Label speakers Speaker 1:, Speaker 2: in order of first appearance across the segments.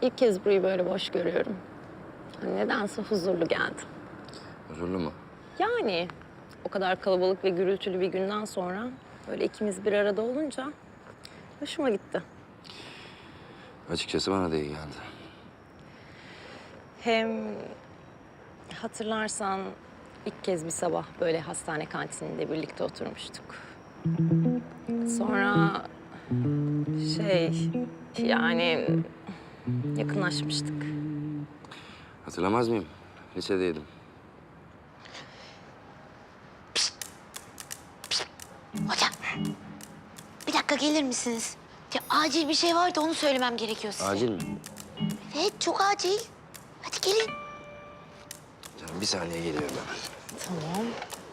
Speaker 1: İlk kez burayı böyle boş görüyorum. Nedense huzurlu geldi.
Speaker 2: Huzurlu mu?
Speaker 1: Yani o kadar kalabalık ve gürültülü bir günden sonra böyle ikimiz bir arada olunca hoşuma gitti.
Speaker 2: Açıkçası bana da iyi geldi.
Speaker 1: Hem hatırlarsan ilk kez bir sabah böyle hastane kantininde birlikte oturmuştuk. Sonra yani yakınlaşmıştık.
Speaker 2: Hatırlamaz mıyım? Lisedeydim.
Speaker 3: Hocam, bir dakika gelir misiniz? Ya, acil bir şey var da onu söylemem gerekiyor size.
Speaker 2: Acil mi?
Speaker 3: Evet, çok acil. Hadi gelin.
Speaker 2: Canım bir saniye geliyorum hemen.
Speaker 1: Tamam.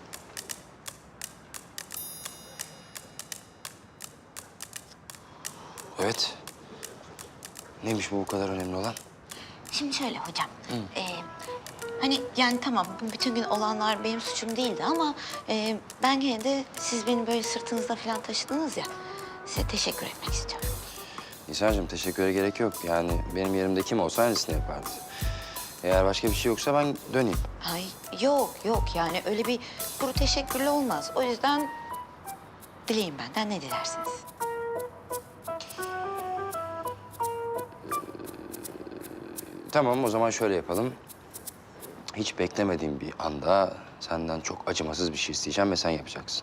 Speaker 2: Evet. Neymiş bu kadar önemli olan?
Speaker 3: Şimdi şöyle hocam. Hani yani tamam bütün gün olanlar benim suçum değildi ama ben gene de siz beni böyle sırtınızda falan taşıdınız ya. Size teşekkür etmek istiyorum.
Speaker 2: Nisan'cığım teşekküre gerek yok. Yani benim yerimde kim olsa aynısını yapardı. Eğer başka bir şey yoksa ben döneyim.
Speaker 3: Ay yok yani öyle bir kuru teşekkürle olmaz. O yüzden dileyin benden ne dilersiniz.
Speaker 2: Tamam o zaman şöyle yapalım. Hiç beklemediğim bir anda senden çok acımasız bir şey isteyeceğim ve sen yapacaksın.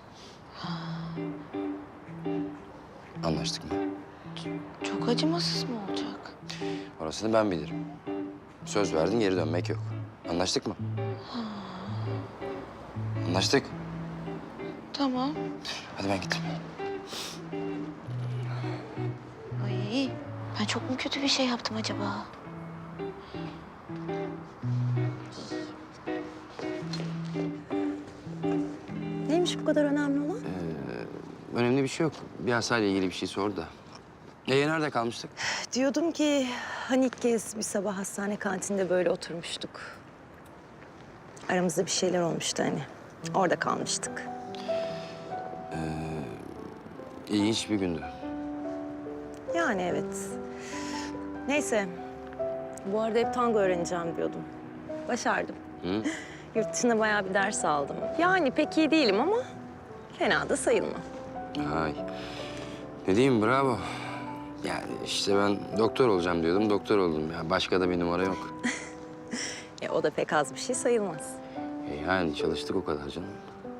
Speaker 2: Anlaştık mı?
Speaker 3: Çok acımasız mı olacak?
Speaker 2: Orasını ben bilirim. Söz verdin geri dönmek yok. Anlaştık mı? Anlaştık.
Speaker 3: Tamam.
Speaker 2: Hadi ben gittim.
Speaker 3: Ay ben çok mu kötü bir şey yaptım acaba?
Speaker 1: Neymiş bu kadar önemli olan?
Speaker 2: Önemli bir şey yok. Bir hastayla ilgili bir şey sordu da. Nerede kalmıştık?
Speaker 1: Diyordum ki hani ilk kez bir sabah hastane kantininde böyle oturmuştuk. Aramızda bir şeyler olmuştu hani. Orada kalmıştık.
Speaker 2: İlginç bir gündü.
Speaker 1: Yani evet. Neyse. Bu arada hep tango öğreneceğim diyordum. Başardım.
Speaker 2: Hı?
Speaker 1: Yurt dışında bayağı bir ders aldım. Yani pek iyi değilim ama fena da sayılmam.
Speaker 2: Ay. Ne diyeyim bravo. Yani işte ben doktor olacağım diyordum, doktor oldum ya. Başka da bir numara yok.
Speaker 1: O da pek az bir şey sayılmaz.
Speaker 2: Yani çalıştık o kadar canım.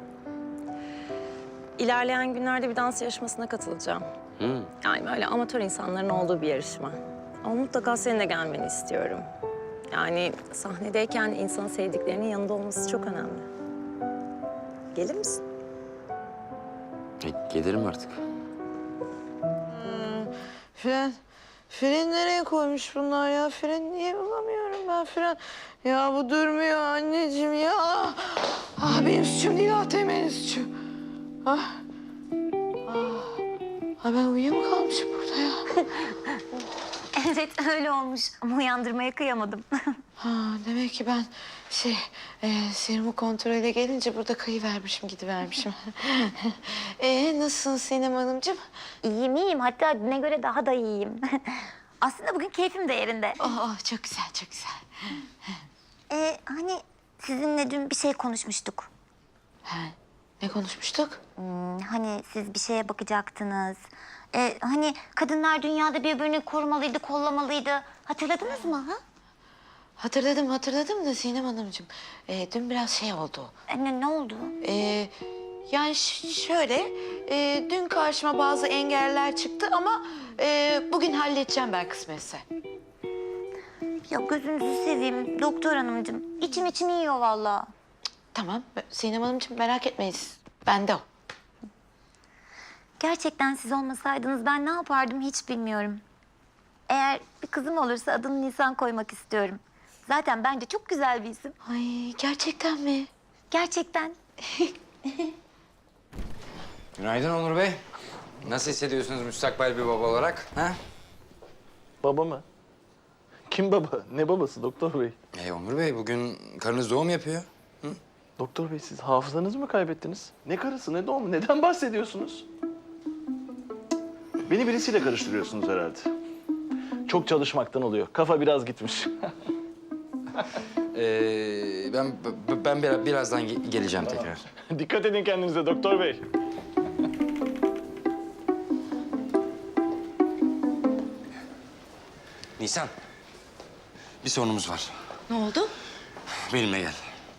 Speaker 1: İlerleyen günlerde bir dans yarışmasına katılacağım.
Speaker 2: Hı.
Speaker 1: Yani böyle amatör insanların olduğu bir yarışma. Ama mutlaka senin de gelmeni istiyorum. Yani sahnedeyken insanın sevdiklerinin yanında olması çok önemli. Gelir misin?
Speaker 2: Gelirim artık.
Speaker 4: Fren nereye koymuş bunlar ya? Fren niye bulamıyorum ben fren? Ya bu durmuyor anneciğim ya. Ah benim suçum değil ATM'nin suçu. Ah. Ben uyuyakalmışım burada ya.
Speaker 3: Evet öyle olmuş ama uyandırmaya kıyamadım.
Speaker 4: Demek ki ben serumu kontrole gelince burada kayıvermişim, gidivermişim. Nasılsın Sinem Hanımcığım?
Speaker 3: İyiyim hatta düne göre daha da iyiyim. Aslında bugün keyfim de yerinde.
Speaker 4: Çok güzel, çok güzel.
Speaker 3: Hani sizinle dün bir şey konuşmuştuk.
Speaker 4: Ne konuşmuştuk?
Speaker 3: Hani siz bir şeye bakacaktınız. Hani kadınlar dünyada birbirini korumalıydı, kollamalıydı. Hatırladınız mı? Ha?
Speaker 4: Hatırladım da Sinem Hanımcığım. Dün biraz şey oldu.
Speaker 3: Ne oldu?
Speaker 4: Yani şöyle, dün karşıma bazı engeller çıktı ama bugün halledeceğim ben kısmetse.
Speaker 3: Ya gözünüzü seveyim doktor hanımcığım. İçim yiyor vallahi.
Speaker 4: Tamam, Sinem Hanımcığım merak etmeyiz. Bende o.
Speaker 3: Gerçekten siz olmasaydınız ben ne yapardım hiç bilmiyorum. Eğer bir kızım olursa adını Nisan koymak istiyorum. Zaten bence çok güzel bir isim.
Speaker 4: Ay gerçekten mi?
Speaker 3: Gerçekten.
Speaker 2: Günaydın Onur Bey. Nasıl hissediyorsunuz müstakbel bir baba olarak? Ha?
Speaker 5: Baba mı? Kim baba? Ne babası doktor bey?
Speaker 2: Onur Bey bugün karınız doğum yapıyor.
Speaker 5: Doktor bey siz hafızanızı mı kaybettiniz? Ne karısı ne doğumu? Neden bahsediyorsunuz? Beni birisiyle karıştırıyorsunuz herhalde. Çok çalışmaktan oluyor. Kafa biraz gitmiş.
Speaker 2: Ben birazdan geleceğim tekrar.
Speaker 5: Dikkat edin kendinize doktor bey.
Speaker 2: Nisan, bir sorunumuz var.
Speaker 3: Ne oldu?
Speaker 2: Benimle gel.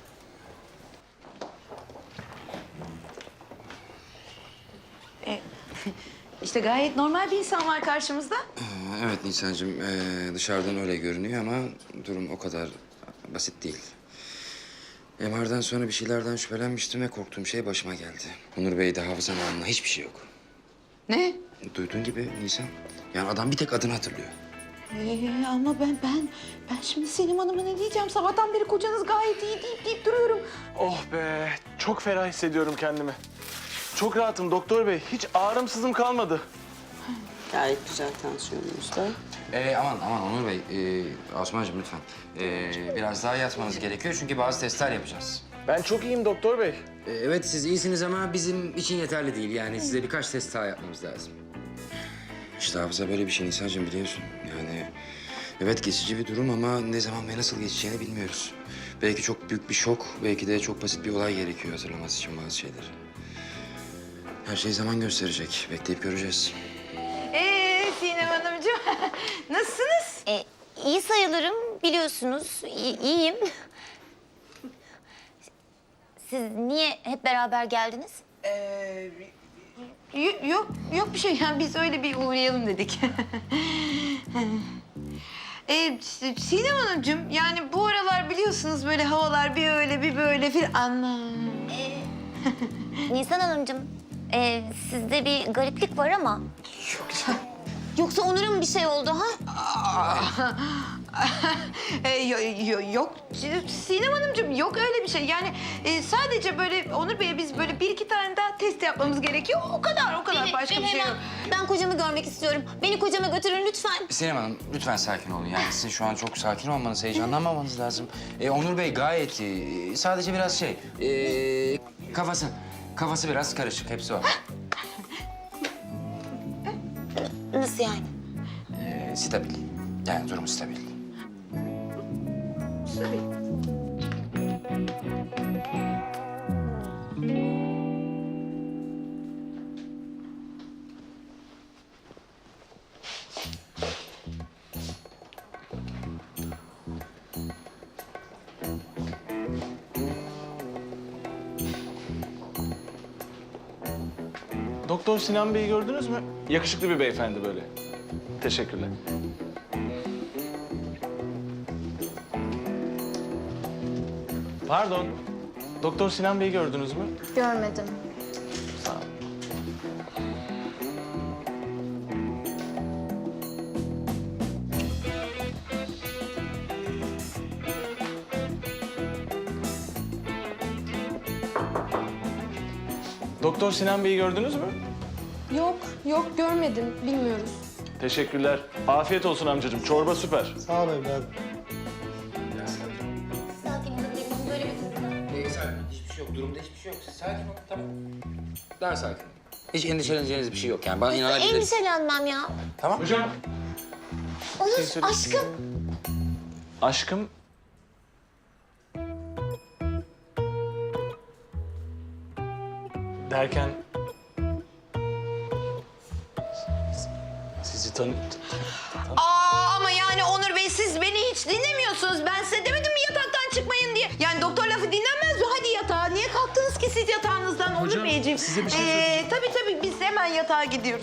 Speaker 4: İşte gayet normal bir insan var karşımızda.
Speaker 2: Evet Nisan'cığım, dışarıdan öyle görünüyor ama durum o kadar basit değil. MR'dan sonra bir şeylerden şüphelenmiştim ve korktuğum şey başıma geldi. Onur Bey'de hafızanın anına hiçbir şey yok.
Speaker 4: Ne?
Speaker 2: Duyduğun gibi Nisan. Yani adam bir tek adını hatırlıyor.
Speaker 4: Ama ben şimdi Sinem Hanım'a ne diyeceğim? Sabahtan beri kocanız gayet iyi deyip duruyorum.
Speaker 5: Oh be, çok ferah hissediyorum kendimi. Çok rahatım doktor bey. Hiç ağrımsızım kalmadı.
Speaker 6: Gayet güzel tansiyonunuz da.
Speaker 2: Aman Onur Bey, Osman'cığım lütfen. Biraz daha yatmanız gerekiyor çünkü bazı testler yapacağız.
Speaker 5: Ben çok iyiyim doktor bey.
Speaker 2: Evet siz iyisiniz ama bizim için yeterli değil. Yani size birkaç test daha yapmamız lazım. İşte hafıza böyle bir şey Nisan'cığım biliyorsun. Yani evet geçici bir durum ama ne zaman ve nasıl geçeceğini bilmiyoruz. Belki çok büyük bir şok, belki de çok basit bir olay gerekiyor hatırlaması için bazı şeyleri. Her şey zaman gösterecek. Bekleyip göreceğiz.
Speaker 4: Sinem Hanımcığım nasılsınız?
Speaker 7: İyi sayılırım biliyorsunuz. İyiyim. Siz niye hep beraber geldiniz?
Speaker 4: Yok bir şey. Yani biz öyle bir uğrayalım dedik. Sinem Hanımcığım yani bu aralar biliyorsunuz böyle havalar bir öyle bir böyle filan. Anla.
Speaker 7: Nisan Hanımcığım, sizde bir gariplik var ama. Yoksa Onur'a mı bir şey oldu ha?
Speaker 4: Yok Sinem Hanımcığım yok öyle bir şey. Yani sadece böyle Onur Bey'e biz böyle bir iki tane daha test yapmamız gerekiyor. O kadar başka bir şey yok.
Speaker 7: Ben kocamı görmek istiyorum. Beni kocama götürün lütfen.
Speaker 2: Sinem Hanım lütfen sakin olun. Yani sizin şu an çok sakin olmanız, heyecanlanmamanız lazım. Onur Bey gayet iyi. Sadece biraz kafası biraz karışık. Hepsi o.
Speaker 7: Nasıl yani?
Speaker 2: Stabil. Yani durum stabil.
Speaker 5: Doktor Sinan Bey'i gördünüz mü? Yakışıklı bir beyefendi böyle. Teşekkürler. Pardon. Doktor Sinan Bey'i gördünüz mü?
Speaker 7: Görmedim.
Speaker 5: Sağ ol. Doktor Sinan Bey'i gördünüz mü?
Speaker 8: Yok görmedim. Bilmiyoruz.
Speaker 5: Teşekkürler. Afiyet olsun amcacığım. Çorba süper.
Speaker 7: Sakin olabilirim. Böyle bir durumda.
Speaker 2: Sakin. Hiçbir şey yok. Durumda hiçbir şey yok. Siz sakin olun. Tamam. Daha sakin. Hiç endişeleneceğiniz bir şey yok yani. Bana inanabilirsiniz.
Speaker 7: Endişelenmem ya.
Speaker 2: Tamam.
Speaker 5: Hocam.
Speaker 7: Onur,
Speaker 5: söyle.
Speaker 7: aşkım.
Speaker 5: Aşkım. Derken... Sizi
Speaker 4: Ama yani Onur Bey siz beni hiç dinlemiyorsunuz. Ben size demedim mi yataktan çıkmayın diye. Yani doktor lafı dinlenmez mi? Hadi yatağa. Niye kalktınız ki siz yatağınızdan Onur Beyciğim?
Speaker 5: size bir şey söyleyeceğim.
Speaker 4: Tabii biz hemen yatağa gidiyoruz.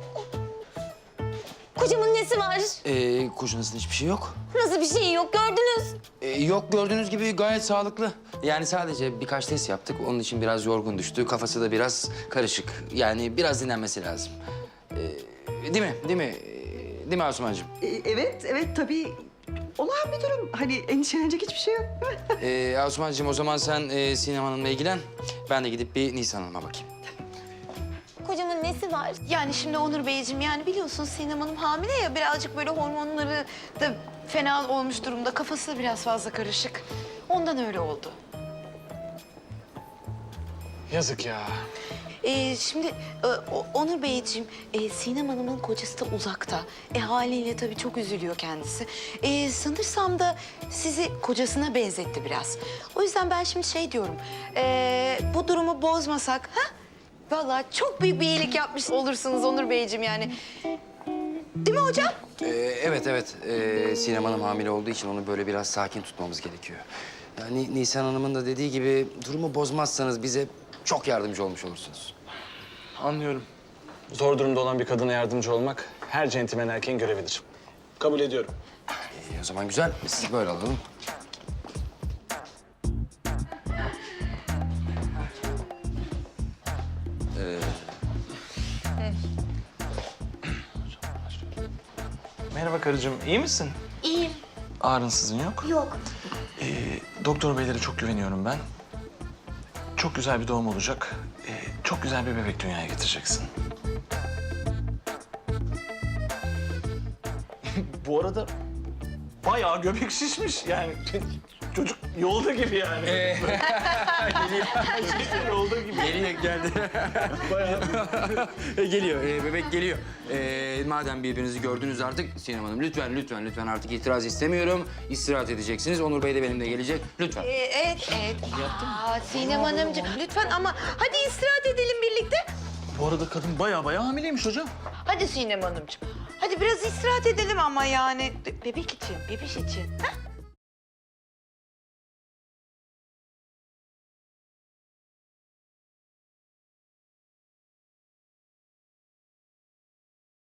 Speaker 7: Kocamın nesi var?
Speaker 2: Kocanızda hiçbir şey yok.
Speaker 7: Nasıl bir şey yok gördünüz?
Speaker 2: Yok gördüğünüz gibi gayet sağlıklı. Yani sadece birkaç test yaptık. Onun için biraz yorgun düştü. Kafası da biraz karışık. Yani biraz dinlenmesi lazım. Değil mi? Değil mi Asumancığım?
Speaker 6: Evet tabii. Olağan bir durum. Hani endişelenecek hiçbir şey yok.
Speaker 2: Asumancığım o zaman sen Sinem Hanım'la ilgilen. Ben de gidip bir Nisan Hanım'a bakayım.
Speaker 7: Kocamın nesi var?
Speaker 3: Yani şimdi Onur Beyciğim yani biliyorsunuz Sinem Hanım hamile ya birazcık böyle hormonları da fena olmuş durumda. Kafası da biraz fazla karışık. Ondan öyle oldu.
Speaker 5: Yazık ya.
Speaker 3: Şimdi Onur Beyciğim, Sinem Hanım'ın kocası da uzakta. Haliyle tabii çok üzülüyor kendisi. Sanırsam da sizi kocasına benzetti biraz. O yüzden ben şimdi şey diyorum, bu durumu bozmasak, ha? Vallahi çok büyük bir iyilik yapmış olursunuz Onur Beyciğim yani. Değil mi hocam?
Speaker 2: Evet. Sinem Hanım hamile olduğu için onu böyle biraz sakin tutmamız gerekiyor. Yani Nisan Hanım'ın da dediği gibi durumu bozmazsanız bize çok yardımcı olmuş olursunuz.
Speaker 5: Anlıyorum. Zor durumda olan bir kadına yardımcı olmak her centilmen erkeğin görevidir. Kabul ediyorum.
Speaker 2: O zaman güzel. Siz böyle alalım.
Speaker 5: Merhaba karıcığım, iyi misin?
Speaker 7: İyiyim.
Speaker 5: Ağrınsızın yok.
Speaker 7: Yok.
Speaker 5: Doktor beylere çok güveniyorum ben. Çok güzel bir doğum olacak. Çok güzel bir bebek dünyaya getireceksin. Bu arada bayağı göbek şişmiş yani. Çocuk yolda gibi yani. Yolda gibi.
Speaker 2: Geldi.
Speaker 5: Bayağı.
Speaker 2: Geliyor, bebek geliyor. Madem birbirinizi gördünüz artık Sinem Hanım lütfen artık itiraz istemiyorum. İstirahat edeceksiniz. Onur Bey de benimle gelecek. Lütfen.
Speaker 3: Evet. Sinem Hanımcığım lütfen ama hadi istirahat edelim birlikte.
Speaker 5: Bu arada kadın bayağı hamileymiş hocam.
Speaker 4: Hadi Sinem Hanımcığım. Hadi biraz istirahat edelim ama yani. Bebek için, bebiş için. Ha?